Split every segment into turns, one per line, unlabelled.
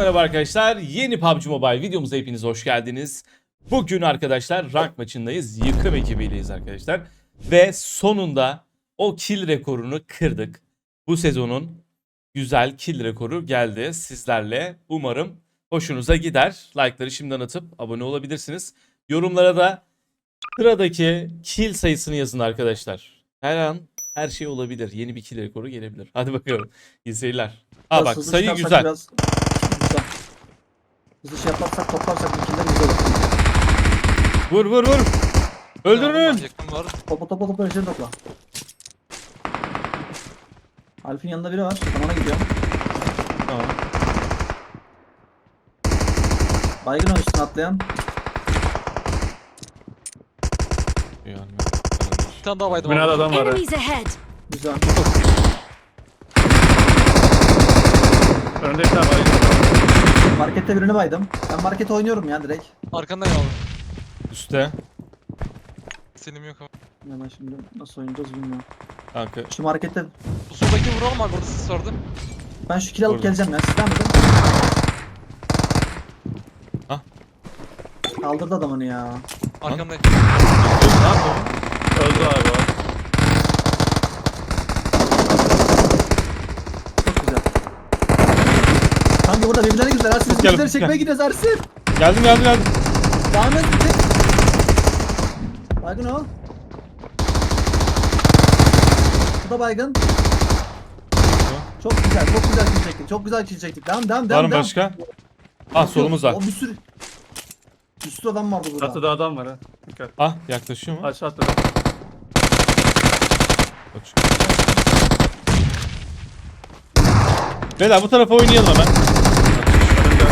merhaba arkadaşlar. Yeni PUBG Mobile videomuza hepiniz hoş geldiniz. Bugün arkadaşlar rank maçındayız. Yıkım ekibiyleyiz arkadaşlar. Ve sonunda o kill rekorunu kırdık. Bu sezonun güzel kill rekoru geldi sizlerle. Umarım hoşunuza gider. Like'ları şimdiden atıp abone olabilirsiniz. Yorumlara da sıradaki kill sayısını yazın arkadaşlar. Her an her şey olabilir. Yeni bir kill rekoru gelebilir. Hadi bakalım. İyi seyirler. Aa bak
Hızlı
sayı
çıkarsak
güzel.
Biraz... Güzel. Hızlı şey yaparsak toplarsak ikileri güzel olur.
Vur vur vur. Öldürün.
Yakın var.
Topla eşleri topla. Alf'in yanında biri var. Ben ona gidiyorum.
Tamam.
Baygın o üstüne atlayan.
Bir tane daha baydım.
Binada adam var ha.
Enemies ahead!
Güzel.
Önünde bir tane var.
Markette birini baydım. Ben markete oynuyorum ya direkt.
Arkandayım abi.
Üste.
Selim yok ama.
Ya ben şimdi nasıl oynayacağız bilmiyorum.
Kanka.
Şu markette...
Bu soldaki vuralım abi, orada sis vardı.
Ben şu kill alıp
Orada.
geleceğim ya. Sizden mi?
Ah.
Kaldırdı adam onu ya.
Arkamdayım.
Öldü abi o.
Çok güzel. Kanka burada birbirlerine güzel. Ersin
Gel,
bizimkileri
gel.
çekmeye gidiyoruz Ersin.
Geldim.
Zahmet çek. Baygın ol. Bu da baygın. Çok güzel kill çektik. Çok güzel kill çektik. Devam.
Var mı başka? Ah solumuz var.
O bir sürü adam vardı burada.
Çatıda adam var ha. Dikkat.
Ah yaklaşıyor mu?
Aşağı atladı.
Bak şu- Beyler bu tarafa oynayalım hemen.
Önümde.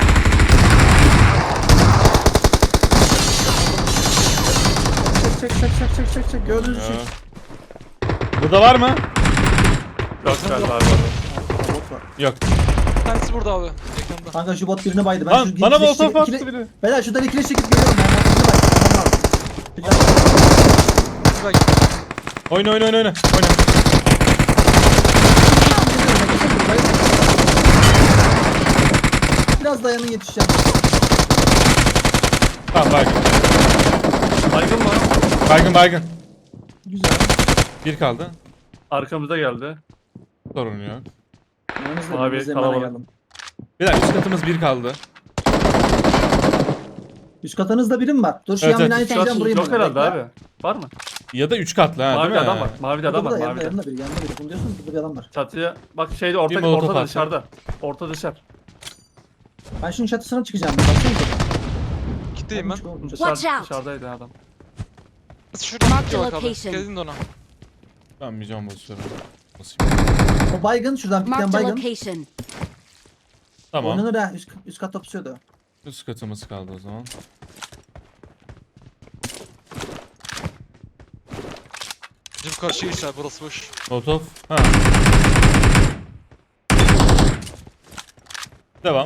Çek. Gördüğünüz
Ya.
için.
Burada var mı?
Yok galiba abi.
Bot var.
Yok.
Bir tanesi burada abi. Yakında.
Kanka şu bot birini baydı. Ben
Lan
şu
bana
ikili-
molotof attı
ikili-
biri.
Beyler şuradan ikili çekip geliyorum ben. Birini baydı. Tamam abi.
Bak.
Oyna.
Biraz dayanın yetişeceğim.
Tamam baygın.
Baygın mı?
Baygın.
Güzel.
Bir kaldı.
Arkamıza geldi.
Sorun yok.
Yanınızda
Abi,
bizde
kalabalık.
geldim.
Beyler üst katımız bir kaldı.
Üst katınızda biri mi var? Dur şu
Evet,
yan binayı
evet.
çekeceğim burayı.
Yok herhalde abi. Var mı?
Ya da üç katlı ha
Mavi
değil mi?
adam var. Mavi adam var.
Burada
Mavi.
yanında biri. Bunu diyorsunuz burada bir adam var.
Çatıya bak şeyde
Bir molotof
ortada
attı.
dışarıda. Orta dışarı.
Ben şunun çatısına çıkacağım. Baksanıza.
Kitleyim ben.
Watch out.
Dışarıdaydı adam.
Şurada
Mark
tutuyor
the
bak abi.
location.
Geldin de ona.
Ben bir can basıyorum. Nasıl?
O baygın şuradan bir
Marked
tane
a
baygın.
location.
Tamam.
Oynanır ha. Üst katta pusuyordu.
Üst katımız kaldı o zaman.
Bizim karşıya geç abi, burası boş.
Molotov. Ha. Devam.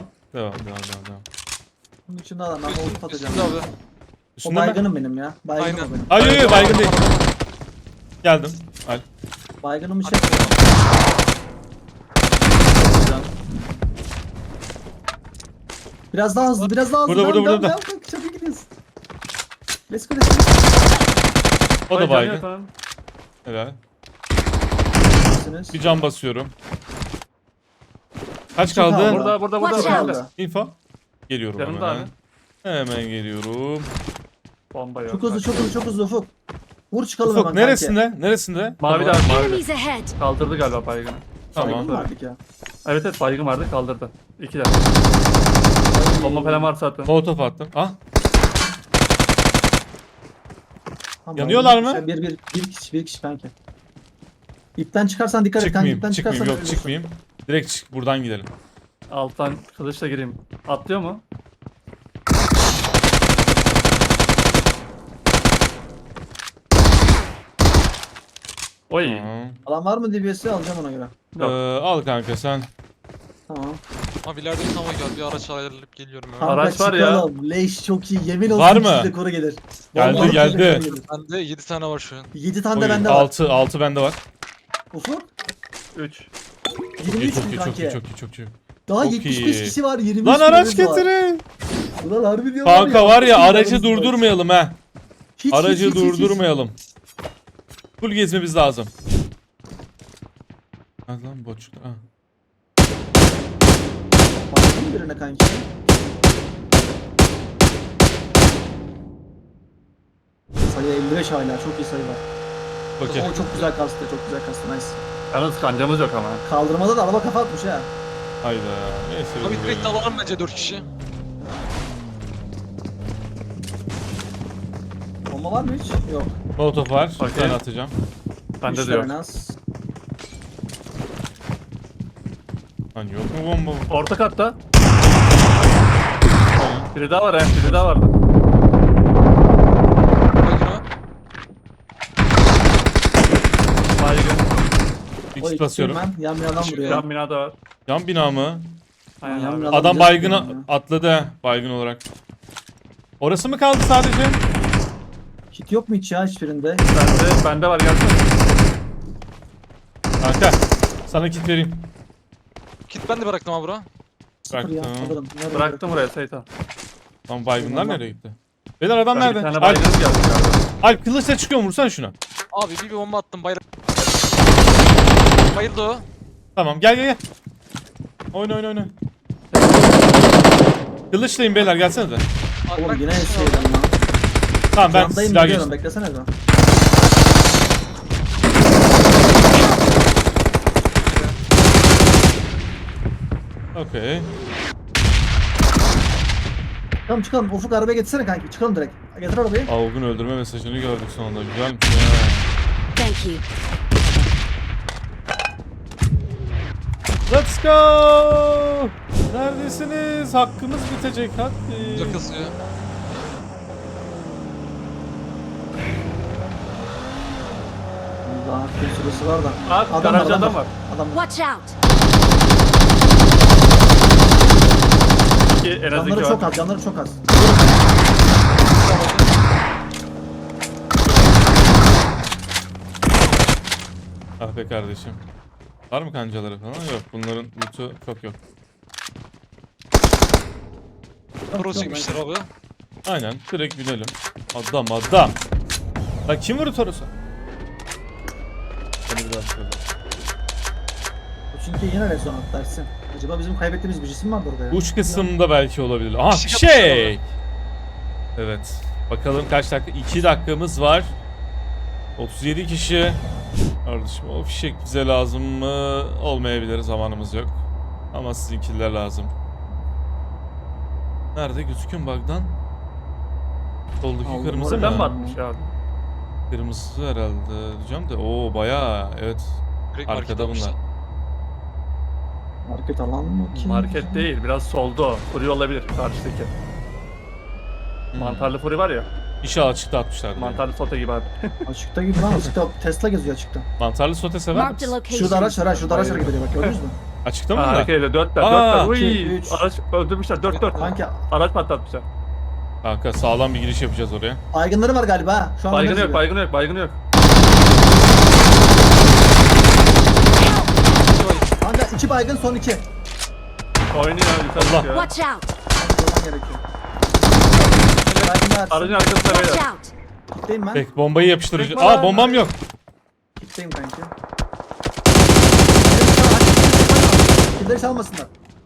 Bunun içinde adam. Ben olup atacağım.
Üstünde abi.
O
Üstünde mi?
baygınım benim ya. Baygınım
Aynen.
o benim.
Hayır baygın değil. Geldim. Al.
Baygınım şey. Biraz daha hızlı.
Burada.
Devam. Çabuk gidiyoruz. Let's go.
O da
Ay,
baygın.
canı yok lan.
Helal.
Misiniz?
Bir can basıyorum. Kaç
Çok
kaldı?
kaldı.
Burada.
Watch out.
Burada.
Info. Geliyorum
Yanımda
hemen.
abi.
Hemen geliyorum.
Bomba yok.
Çok hızlı Ufuk. Vur çıkalım
Ufuk
hemen
neresinde?
Mavi de
Tamam.
abi mavi.
Enemies ahead!
Kaldırdı galiba baygını.
Tamam.
Baygın mı vardık ya?
Evet baygın vardı kaldırdı. İki de. Bomba falan varsa atın.
Molotov attım. Ah.
Tamam,
Yanıyorlar mı?
Bir kişi kanki. İpten çıkarsan dikkat et kanki. İpten
Çıkmayayım. Yok
ölürsün.
çıkmayayım. Direkt buradan gidelim.
Alttan kılıçla gireyim. Atlıyor mu? Oy.
Tamam.
Alan var mı DBS'i alacağım ona göre.
Yok.
Al kanka sen.
Tamam.
Abi ileride bir tava geldi. Bir araç ayarlayıp geliyorum ya.
Kanka
Araç var ya.
çıkalım. Leş çok iyi. Yemin olsun
Var mı?
size koru gelir.
Geldi,
Vallahi
geldi.
size koru gelir.
Bende 7 tane var şu an.
7 tane de bende var.
6 bende var.
Ufuk.
3.
Çok iyi,
23
çok
mü
iyi,
kanki?
çok iyi.
Daha
Çok
75
iyi.
kişi var, 25
Lan araç
kişimiz var.
getirin.
Ulan harbi diyorum
Kanka var ya aracı
Hiç,
durdurmayalım ha.
hiç,
Aracı
hiç, hiç, hiç.
durdurmayalım. Full gezmemiz lazım. Hadi lan boçluk. Ha.
Baktın mı birine kanki? Sayı 55 hala, çok iyi sayı var.
Okey.
O çok güzel kastı, çok güzel kastı, nice.
Yalnız kancamız yok ama.
Kaldırmada da araba kafa atmış ha.
Hayda. Neyse.
Abi
biz
direkt
böyle.
alalım bence 4 kişi.
Bomba var mı hiç? Yok.
Molotof var. Bir
Okey.
tane atacağım.
Bende
Üç
de yok.
tane az.
Lan yok mu bomba?
Orta katta. Biri daha var biri daha vardı.
Bakın ha.
Baygın.
Bir
O
kit
ikisi
basıyorum.
ben yan binadan vuruyor.
Yan binada var.
Yan bina mı?
Aynen
Yan
abi.
binadan
Adam
direkt
baygına
vuruyor ya.
atladı ha. Baygın olarak. Orası mı kaldı sadece?
Kit yok mu hiç ya hiçbirinde?
Bende var gelsene.
Kanka. Sana kit vereyim.
Kit ben de bıraktım abi bura.
Sıfır ya,
Bıraktım.
alırım. Nerede
Bıraktım buraya Seytan.
Lan baygınlar
Tamam.
nereye gitti? Beyler adam
Bir
nerede?
tane
Alp,
baygın geldi galiba.
Alp kılıçla çıkıyor mu? Vursana şuna.
Abi bir bomba attım bayrak. Bayıldı o.
Tamam gel gel gel. Oyna oyna oyna. Kılıçlayın beyler gelsene de.
Abi
Oğlum
bak,
yine
bir şey
şeyden
oldu.
lan.
Tamam ben
Camdayım
silah
geliyorum,
geçtim.
beklesene be.
Okey.
Tamam çıkalım, Ufuk arabaya getirsene kanki, çıkalım direkt. Getir arabayı.
Avgun öldürme mesajını gördük sonunda. Güzelmiş ya.
Thank you.
Let's go! Neredesiniz? Hakkımız bitecek hadi.
Dur kasıyor.
Daha bir süresi var da.
Abi garajda adam var.
Adam var.
Watch out.
En az
Canları
iki
çok
var.
az, canları çok az.
Ah be kardeşim. Var mı kancaları falan? Yok. Bunların loot'u çok yok.
Pro çekmişler abi.
Aynen. Direkt binelim. Adam adam. Lan kim vurdu Toros'a? Beni biraz şöyle.
Bu çünkü yine rezon atlarsın. Acaba bizim kaybettiğimiz bir cisim mi vardı orada ya?
Uç kısımda belki olabilir. Aha
Fişek
fişek. Evet. Bakalım kaç dakika? 2 dakikamız var. 37 kişi. Kardeşim o fişek bize lazım mı? Olmayabilir. Zamanımız yok. Ama sizinkiler lazım. Nerede? Gözüküyor mu bug'dan? Soldaki
Aldım,
kırmızı
oradan
mı?
Oradan mı atmış abi?
Kırmızı herhalde diyeceğim de. Oo bayağı. Evet.
Direkt
Arkada
market
bunlar.
almışlar.
Market alan mı ki?
Market değil biraz solda o. Furi olabilir karşıdaki. Mantarlı furi var ya.
İnşallah açıkta atmışlar.
Mantarlı sote gibi abi.
Açıkta gibi lan, açıkta Tesla geziyor açıkta.
Mantarlı sote sever
Marked a
misin?
location.
Şurada araç var ha, şurada araç hareket ediyor bak, gördünüz mü?
Açıkta mı
Ha,
bunlar?
hareket ediyor. Dörtler.
Aa,
Uy,
iki, üç.
araç öldürmüşler. Dört.
Kanki
Araç patlatmışlar.
Kanka sağlam bir giriş yapacağız oraya.
baygınları var galiba ha. Şu an
Baygını
önümüzde.
yok, baygını yok, baygını yok.
Kanka 2 baygın, son 2.
Oynuyor yukarı
Allah.
çıkıyor.
Watch out.
Durman gerekiyor. Baygınlar.
Aracın arkasında
Watch
beyler.
out.
Kitleyim ben.
Peki bombayı yapıştırıcı.
Tekme var.
Aa bombam yok.
Kitleyim kanki. Killeri çalmasınlar.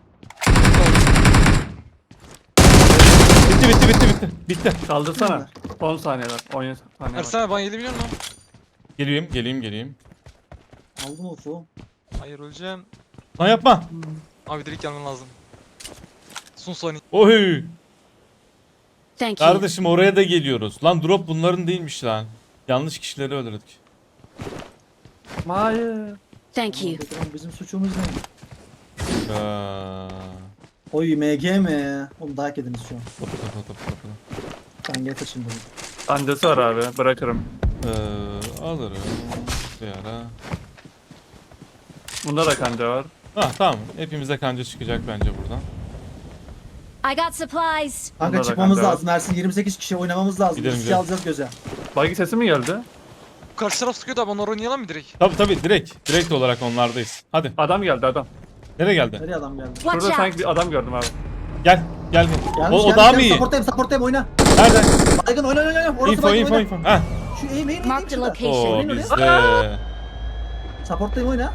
Bitti.
Kaldırsana. 10 saniye var. 17 saniye var.
Ersen abi ben 7 milyon mu?
Geleyim.
Aldım Ufuk.
Hayır öleceğim.
Lan yapma.
Abi direkt gelmen lazım. Son saniye.
Oy.
Thank you.
Kardeşim oraya da geliyoruz. Lan drop bunların değilmiş lan. Yanlış kişileri öldürdük.
Hayır.
Thank you.
Bizim suçumuz ne?
Aa,
Oy MG mi? Oğlum dayak ediniz şu an.
topu.
Ben getir şimdi bunu.
Kancası var abi. Bırakırım.
Alırım. Bir ara.
Bunda da kanca var.
Ah tamam. Hepimize kanca çıkacak bence buradan.
I got supplies.
Kanka
Bunda da
çıkmamız
kanka var.
lazım. Ersin 28 kişi oynamamız lazım.
Gidelim,
Riski
gidelim.
alacağız göze.
Buggy sesi mi geldi?
Karşı taraf sıkıyordu abi onları oynayalım mı direkt?
Tabi direkt olarak onlardayız. Hadi.
Adam geldi adam.
Nereye geldi?
Nereye adam geldi?
Watch
Şurada sanki
out!
bir adam gördüm abi.
Gel. Gel.
Gelmiş,
O daha mı iyi?
Supportayım oyna.
Nerede?
Baygın oyna. Orası
Info
baygın
info
oyna.
info. Ha.
Şu eğim
Mark the
şurada.
location.
Oo
Eğim
bizde.
Supportayım oyna.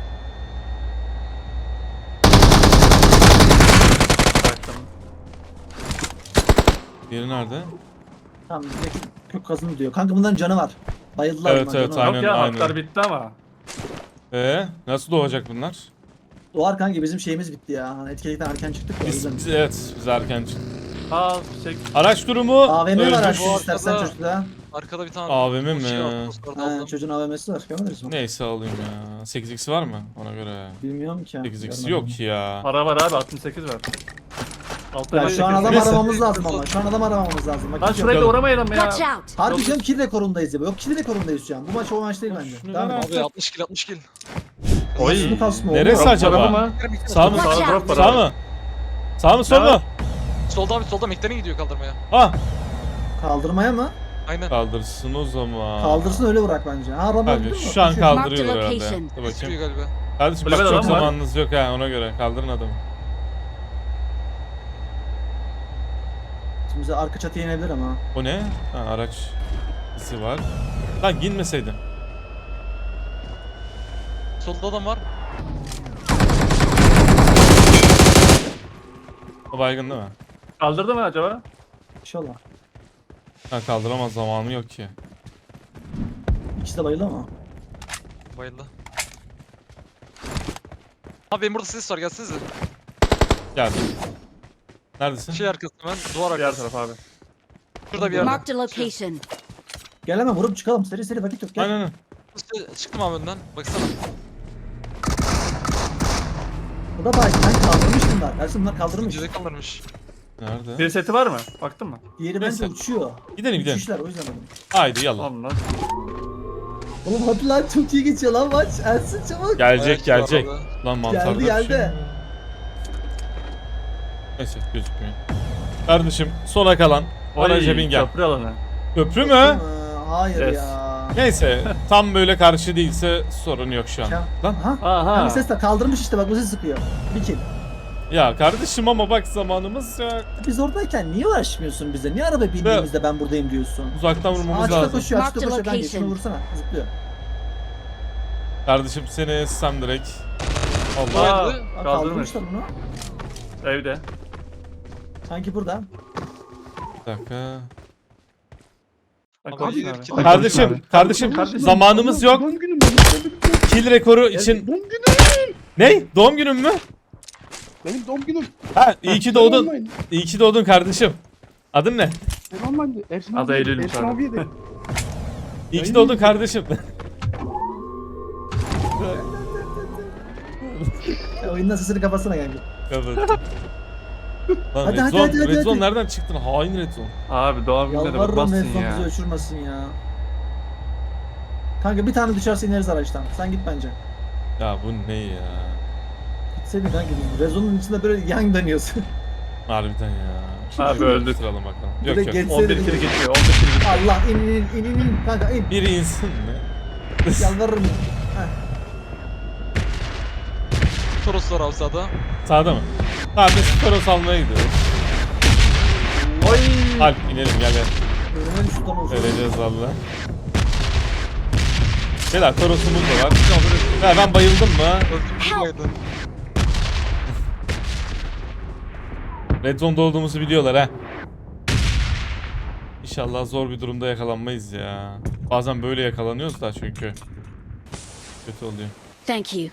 Bıraktım.
Biri nerede?
Tamam bizdeki kök kazını diyor. Kanka bunların canı var. Bayıldılar
Evet,
bunlar,
evet,
canı var.
aynen.
Yok ya haklar bitti ama.
Nasıl doğacak bunlar?
Doğar kanka bizim şeyimiz bitti ya. Hani etkilikten erken çıktık ya. o yüzden.
Biz erken çıktık.
Aa şey
Araç durumu
AVM var
öldü.
açtın
Bu
istersen
arkada-
çocukta.
Arkada bir tane
AVM mi?
şey var, postlarda
Ha,
aldım.
çocuğun AVM'si var. Görmediniz mi?
Neyse alayım ya. 8x var mı? Ona göre.
Bilmiyorum ki.
8x
Görmedim.
yok ki ya.
para var abi 68 var. Altta
Ya
bir
şu an adam
Neyse.
aramamız lazım ama. Şu an adam aramamız lazım. Bak,
Lan
hiç yok.
şurayı da uğramayalım ya.
Watch out!
Harbi diyorum kill rekorundayız ya. Yok kill rekorundayız şu an. Bu maç o maç değil bence.
Şunu
Devam
ver
et.
Abi 60 kill 60 kill.
Oy.
Şunu kasma
Neresi
oğlum.
acaba?
Tarafı mı?
Sağ mı?
Watch
Sağ
out.
drop var
Sağ
abi.
mı? Sağ mı sol
Ne
mu?
Solda abi solda McLaren gidiyor kaldırmaya.
Ah!
Kaldırmaya mı?
Aynen.
Kaldırsın o zaman.
Kaldırsın öyle bırak bence. Ha Ramazan
Kanka
değil mi?
şu an
Kaçıyor.
kaldırıyor
Mark the
herhalde.
location.
Dur bakayım.
Sıkıyor galiba.
Kardeşim bak
Kulübede
çok
adam var.
zamanınız yok ha ona göre. Kaldırın adamı.
Şimdi bize arka çatıya inebilir ama.
O ne? Ha, araç izi var. Lan girmeseydin.
Solda adam var.
O baygın değil mi?
Kaldırdı mı acaba?
İnşallah.
Ha kaldıramaz zamanı yok ki.
İkisi de bayıldı ama.
Bayıldı. Abi benim burada ses var gelsenize.
Geldim. Neredesin?
Şey arkasında ben duvar
Diğer
arkası.
taraf abi.
Şurada bir yerde.
Marked a location.
Gel hemen vurup çıkalım. Seri vakit yok. Gel.
Aynen aynen.
Çıktım abi önden. Baksana.
Bu da baygın. Ben kaldırmış bunlar. Ersin bunlar kaldırmış.
Cüze kaldırmış.
Nerede?
Bir seti var mı? Baktın mı?
Diğeri bence
Neyse.
uçuyor.
Gidelim gidelim.
Uçuşlar o yüzden dedim.
Haydi yallah.
Tamam lan.
Oğlum hadi lan çok iyi geçiyor lan maç. Ersin çabuk.
Gelecek
Ayak
gelecek.
var abi.
Lan mantarda
Geldi,
bir şey
geldi.
mi? Neyse gözükmüyor. Kardeşim sona kalan araca bin gel.
Köprü alanı.
Köprü mü?
Hayır
Yes.
ya.
Neyse tam böyle karşı değilse sorun yok şu an.
Kem-
Lan
Aha.
Aha.
Hani ses de kaldırmış işte bak bu ses sıkıyor. Bir kill.
ya kardeşim ama bak zamanımız yok.
Biz oradayken niye uğraşmıyorsun bize? Niye araba bindiğimizde ben buradayım diyorsun?
Uzaktan vurmamız
Ağaçta
lazım.
koşuyor,
Mark
ağaçta
the
koşuyor kanka.
location.
Şunu vursana, zıplıyor.
Kardeşim seni essem direkt. Allah.
Aa,
Bayıldı.
Aa,
kaldırmış.
kaldırmışlar bunu.
Evde.
Sanki burada.
Bir dakika.
Bak
Abi,
konuşun
yürü,
abi.
kilitli.
Kardeşim
Kardeşim.
zamanımız yok.
Doğum günüm benim.
Kill rekoru için.
Doğum günüm.
Ne? Doğum günün mü?
Benim doğum günüm.
Ha iyi ki doğdun. İyi ki doğdun kardeşim. Adın ne?
Ben online'dı. Ersin
Adı
abi.
Eylül'müş
Ersin
abi.
abiye de.
İyi ki doğdun kardeşim.
Oyundan sesini kapatsana kanka.
Evet. Lan
Hadi,
Red
hadi,
Zone,
hadi,
Red
hadi.
Zone nereden çıktın? Hain Red Zone.
Abi doğum gününe de
Yalvarırım
bakmazsın
Redson
ya.
bizi uçurmasın ya. Kanka bir tane düşerse ineriz araçtan. Sen git bence.
Ya bu ne ya?
Gitseydin kanka biz Rezon'un içinde böyle yan dönüyorsun.
Harbiden ya.
Abi öldük.
Sıralım bakalım.
Böyle
Yok yok.
geçse
11
de-
kill geçiyor. 11 kill geçiyor.
Allah in kanka in.
Biri insin mi?
Yalvarırım. Heh.
Toros var abi sağda.
Sağda mı? Tamam biz Toros almaya gidiyoruz.
Oy.
Alp inelim gel gel.
Önüme düştü lan o zaman.
Vereceğiz valla. Beyler Toros'umuz da var. Ya ben bayıldım mı?
Öldüm bayıldı.
Red Zone'da olduğumuzu biliyorlar ha. İnşallah zor bir durumda yakalanmayız ya. Bazen böyle yakalanıyoruz da çünkü. Kötü oluyor.
Thank you.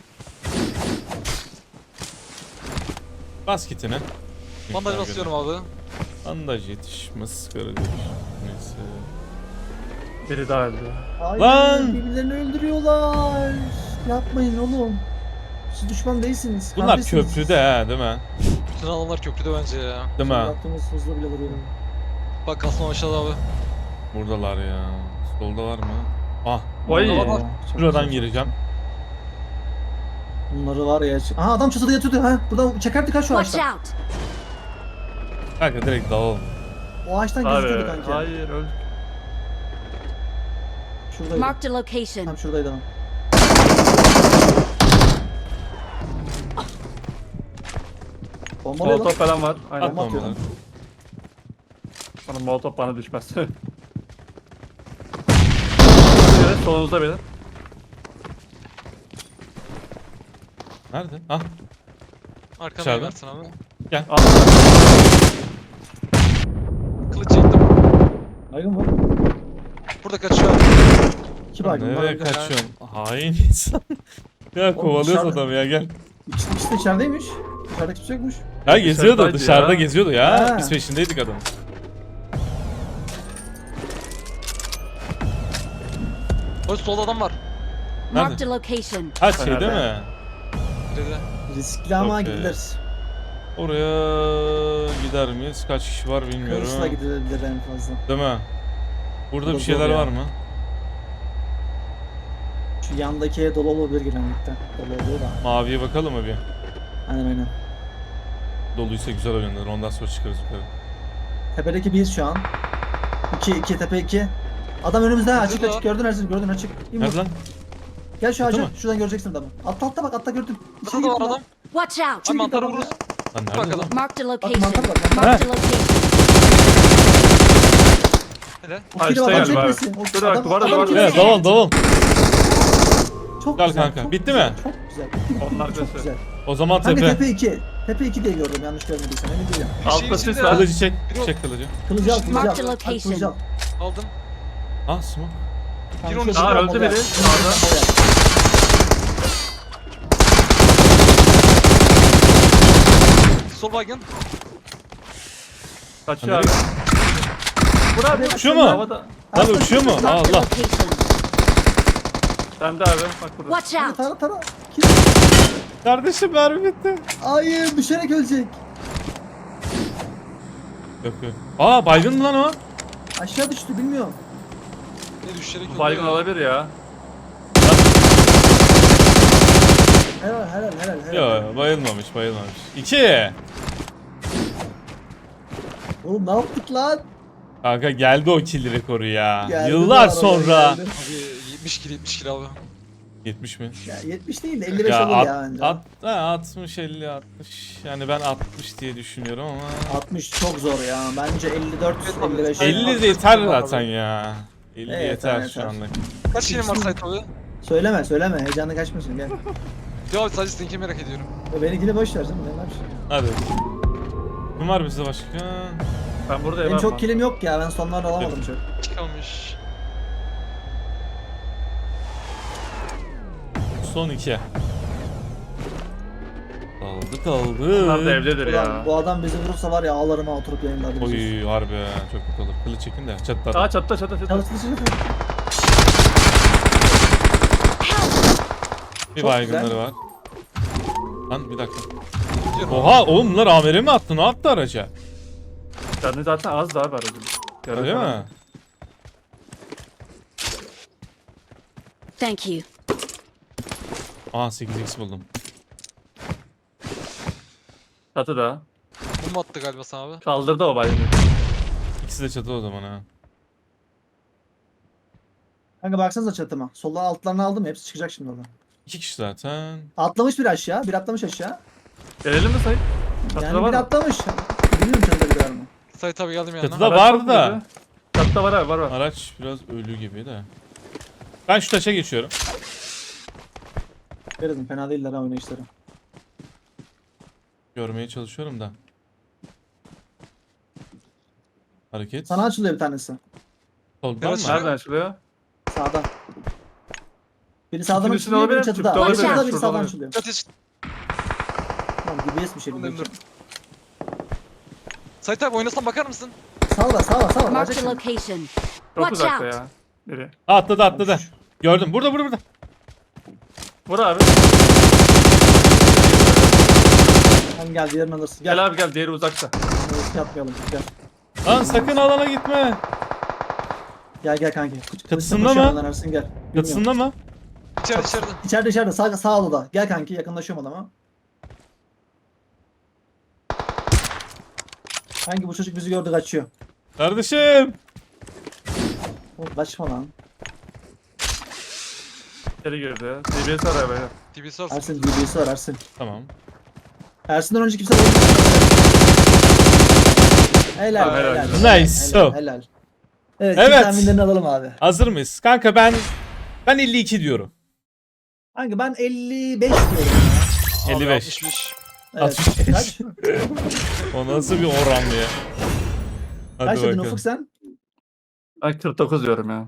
Bas kitini.
Bandaj basıyorum abi.
Bandaj yetişmez. Neyse.
Biri daha öldü.
Ay,
Lan!
birbirlerini öldürüyorlar. Yapmayın oğlum. Siz düşman değilsiniz.
Bunlar
kardeşsiniz.
köprüde ha değil mi?
Bütün alanlar köprüde bence ya.
Değil mi?
Yaptığımız hızla bile vuruyorum.
Bak kasma aşağıda abi.
Buradalar ya. Soldalar mı? Ah.
Oy.
Burada var.
Şuradan gireceğim.
Bunları var ya. Aha adam çatıda yatıyordu ha. Buradan çekerdik ha şu
Watch
ağaçtan.
out!
Kanka direkt dağıl.
O ağaçtan
Abi.
gözüküyordu kanki.
Hayır öldük.
Şuradaydı.
Marked a location.
Tam şuradaydı adam. Bombalıyor lan.
Molotov falan var. Aynen.
At
Bomba atıyor
bombaları.
Bana molotov bana düşmez. Solunuzda beyler.
Nerede? Ah.
Arkamda
Dışarıda.
versin abi.
Al.
Kılıç çektim.
Baygın var.
Burada kaçıyor abi.
2 baygın var.
Nereye kaçıyorsun? Hain insan. Ya kovalıyoruz
dışarıda.
adamı ya gel.
İkisi de içerideymiş. Dışarıda kimse yokmuş.
Ya geziyordu
Dışarıdaydı
dışarıda
ya.
geziyordu ya.
Ha.
Biz peşindeydik adamın.
Hoş solda adam var.
Marked a location.
Ha şey değil
Nerede?
mi?
Dedi.
Riskli ama
Okey.
gidilir.
Oraya gider miyiz? Kaç kişi var bilmiyorum.
Kılıçla gidilebilir en fazla.
Değil mi? Burada
Bu da
bir şeyler
zor ya.
var mı?
Şu yandaki dolu olabilir genellikle. Dolu oluyor da.
Maviye bakalım mı bir?
Aynen.
Doluysa güzel oynanır. Ondan sonra çıkarız yukarı.
Tepedeki biz şu an. 2 tepe 2. Adam önümüzde açık
Burada.
açık gördün Ersin gördün açık. İn
Nerede
vur.
lan?
Gel şu
Burada
ağaca
mı?
şuradan göreceksin adamı. Altta bak altta gördüm.
Burada da var adam.
Watch out!
Abi mantarı vururuz.
Lan nerede
Bakalım.
lan?
Marked a
Bak
location.
mantar bak mantar.
Marked a location.
Hele.
O kili
Açtı
var
galiba abi.
çekmesin. O
Dur,
adam-
duvara,
adam-
duvara.
Evet daval daval.
Çok
Gel
güzel,
kanka.
çok
Bitti
güzel,
mi?
Çok güzel. Bitti,
Onlar
çok
göster.
güzel.
O zaman
Kanka
tepe.
tepe 2. Tepe 2 diye gördüm yanlış görmediysem emin değilim.
Bir şeyin
Altta sis
içinde
var.
ya.
Kılıcı çek.
Bir o-
Çek kılıcı.
Kılıcı al
Mark the
kılıcı al. Al,
location.
kılıcı al.
Aldım.
Ah smoke.
Gir
Kanka,
onun
şurada
Aa,
bomba
öldü
var.
biri.
Şurada bomba var.
Sol baygın.
Kaçıyor abi. Vur abi.
Uçuyor mu?
Havada.
Lan uçuyor mu?
Marked a
Allah.
location.
Sen de abi. Bak burada.
Watch out!
Tara tara.
Kardeşim mermi bitti.
Hayır düşerek ölecek.
Yok yok. Aa baygın mı lan o?
Aşağı düştü bilmiyorum.
Ne düşerek öldü
Baygın
ya.
olabilir ya.
Helal.
Yok bayılmamış bayılmamış. 2.
Oğlum ne yaptık lan?
Kanka geldi o kill rekoru ya.
Geldi bu
Yıllar
arada,
sonra.
geldi.
Abi 70 kill abi.
70 mi?
Ya 70 değil de 55
Ya
olur ya bence.
60 50 60. Yani ben 60 diye düşünüyorum ama
60 çok zor ya. Bence 54
Evet, abi.
55.
50 de yeter zaten ya. 50
Evet,
yeter
evet,
şu
yeter.
anlık.
Kaç kilim var Sait abi?
Söyleme heyecanı kaçmasın gel.
Ya sadece seninkini merak ediyorum.
Benimkini boş ver canım ne var?
Hadi. Kim var bizde başka?
Ben buradayım
Benim
abi.
çok kilim yok ya ben sonlarda alamadım çok.
Çıkalmış.
Son 2. Kaldı.
Bunlar da evdedir
Ulan
ya.
bu adam bizi vurursa var ya ağlarıma oturup yayınlarda.
Oy harbi ya, çok kötü olur. Kılıç çekin de çatıda.
Aa çatta.
Çalıştırıcı
Bir
çok
baygınları
güzel.
var. Lan bir dakika.
Gidiyorum.
Oha oğlum bunlar amire mi attı? Ne yaptı araca?
Canı zaten az daha var aracın.
Öyle mi?
Thank you.
Aa 8x buldum.
Çatı da.
Bomba attı galiba sana abi.
Kaldırdı o baygını.
İkisi de çatı o zaman ha.
Kanka baksanıza çatıma. Solda altlarını aldım hepsi çıkacak şimdi oradan.
2 kişi zaten.
Atlamış bir aşağı. Bir atlamış aşağı.
Gelelim mi Sayın? Çatıda
Yani
var
bir
mı?
atlamış. Bilmiyorum çatıda bir var mı?
Sait abi geldim yanına.
Çatıda
Araç
vardı
çok
da.
iyiydi. Çatıda var abi var.
Araç biraz ölü gibi de. Ben şu taşa geçiyorum.
Verelim fena değiller ha oynayışları.
Görmeye çalışıyorum da. Hareket.
Sana açılıyor bir tanesi.
Soldan
Biraz
mı?
şöyle-
Nereden açılıyor?
Sağdan. Biri sağdan
İkinin üstünde
açılıyor,
olabilir,
biri çatıda.
çatıda
Biri
olabilir,
çatıda, biri
şurada
sağdan
olabilir.
açılıyor.
Çatı çık.
Tamam DBS bir şey
Dur, dur.
bilmiyorum.
Sait abi oynasan bakar mısın?
Sağ var.
Marked
Alacak
a
şimdi.
location.
Çok
Watch
uzakta
out!
ya. Biri.
Atladı. Gördüm. Burada.
Vur abi.
Sen gel diğerini alırsın. Gel.
Gel abi gel diğeri uzakta.
Risk yapmayalım. Gel.
Lan sakın alana gitme.
Gel kanki.
Çatısında
Koşuyor
mı?
lan Ersin gel. Bilmiyorum.
Çatısında mı?
İçeride.
İçeride sağ odada. Gel kanki yakınlaşıyorum adama. Kanki bu çocuk bizi gördü kaçıyor.
Kardeşim.
Oğlum kaçma lan.
İçeri girdi ya. DBS var abi.
DBS var.
Ersin DB'si var Ersin.
Tamam.
Ersin'den önce kimse vurmadı. Helal,
Helal.
helal.
Nice.
Helal, helal. Evet,
Evet.
evet. Tahminlerini alalım abi.
Hazır mıyız? Kanka ben 52 diyorum.
Hangi ben 55 diyorum ya.
55.
65.
Evet.
65.
Kaç?
O nasıl bir oran ya? Hadi
Kaç dedin
bakalım.
Ufuk sen?
Ben 49 diyorum ya.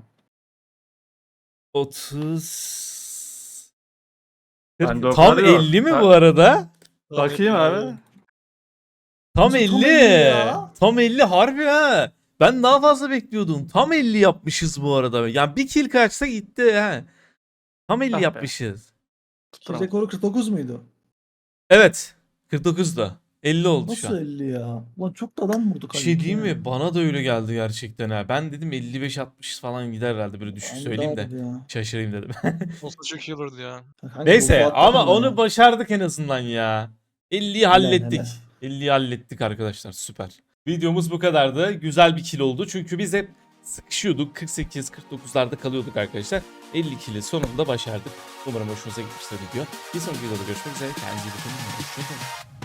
30.
Ben de o
Tam
kadar yok.
50 mi
Ben-
bu arada?
Bakayım abi.
Tam
Nasıl
50.
tam 50 ya?
Tam 50 harbi ha. Ben daha fazla bekliyordum. Tam 50 yapmışız bu arada. Yani bir kill kaçsa gitti ha. Tam 50
Ah be.
yapmışız.
Kill rekoru 49 muydu?
Evet. 49'da. 50 oldu şu
Nasıl
an.
50 ya? Ulan çok da adam vurduk.
Bir şey diyeyim mi? Bana da öyle geldi gerçekten ha. Ben dedim 55-60 falan gider herhalde, böyle düşük söyleyeyim de. Şaşırayım dedim.
Olsa çok iyi olurdu ya.
Neyse ama onu başardık en azından ya. 50'yi hallettik.
helal.
50'yi hallettik arkadaşlar, süper. Videomuz bu kadardı. Güzel bir kill oldu. Çünkü biz hep sıkışıyorduk. 48-49'larda kalıyorduk arkadaşlar. 50 kill'i sonunda başardık. Umarım hoşunuza gitmiştir video. Bir sonraki videoda görüşmek üzere. Kendinize iyi bakın. Hoşçakalın.